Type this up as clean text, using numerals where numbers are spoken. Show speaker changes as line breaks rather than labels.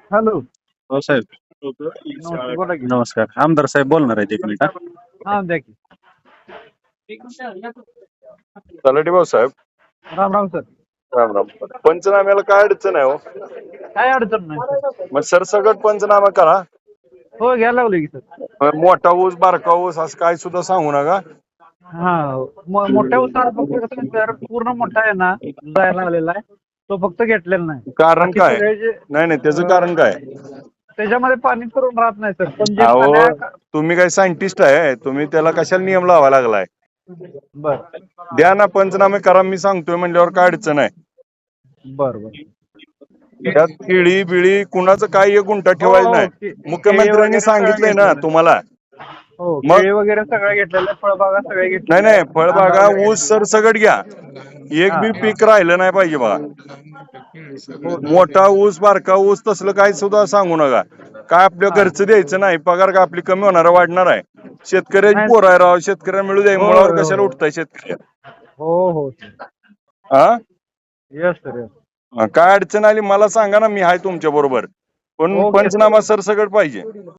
Hello.
हो साहेब.
नमस्ते, बोला की.
नमस्कार. आमदार साहेब बोलणार आहेत एक मिनिट.
हा, द्या की.
तलाठी भाऊ साहेब,
राम राम सर.
राम राम. पंचनाम्याला काय अडचण आहे हो?
काय अडचण नाही सर.
मग सरसकट पंचनामा करा.
हो, घ्यायला लागलो की सर.
मोठा ऊस बारका ऊस असं काय सुद्धा सांगू नका.
हा, मोठ्या उसाला फक्त कसं सर, पूर्ण मोठा आहे ना, जायला आलेला आहे. तो फक्त घेतलेला नाही.
कारण
बाकी
काय?
सगळे जे
नाही नाही, त्याचं कारण काय?
त्याच्यामध्ये पाणी करून राहत नाही सर. पण जे
अहो, तुम्ही काय सायंटिस्ट आहे? तुम्ही त्याला कशाला नियम लावा लागलाय?
बर
द्या ना, पंचनामे करा. मी सांगतोय म्हणल्यावर काय अडचण आहे?
बर बर.
त्यात केळी बिळी कुणाचं काय एक गुंठा ठेवायचं नाही.
केळी
मुख्यमंत्र्यांनी
वगैरे सगळं
सांगितलंय ना
घेतलेलं.
तुम्हाला.
हो,
मग?
केळी वगैरे सगळं घेतलेलं, फळबागा सगळे
नाही
घेतलेले.
नाही, फळबागा ऊस सरसकट घ्या. एक
हा,
बी
हा.
पीक राहिलं नाही पाहिजे बघा.
हो सर.
मोठा ऊस बारका ऊस तसलं काही सुद्धा सांगू नका. काय आपल्या
हा.
घरचं द्यायचं नाही. पगार का आपली कमी होणार वाढणार आहे? शेतकऱ्याची
नाही.
पोर आहे राव. शेतकऱ्याला मिळू द्या.
हो
मुळावर
हो
कशाला
हो
उठताय शेतकरी?
हो हो सर.
हा,
यस सर, यस.
काय अडचण आली मला सांगा ना, मी आहे तुमच्या बरोबर. पण
ओके सर.
पंचनामा सरसकट पाहिजे.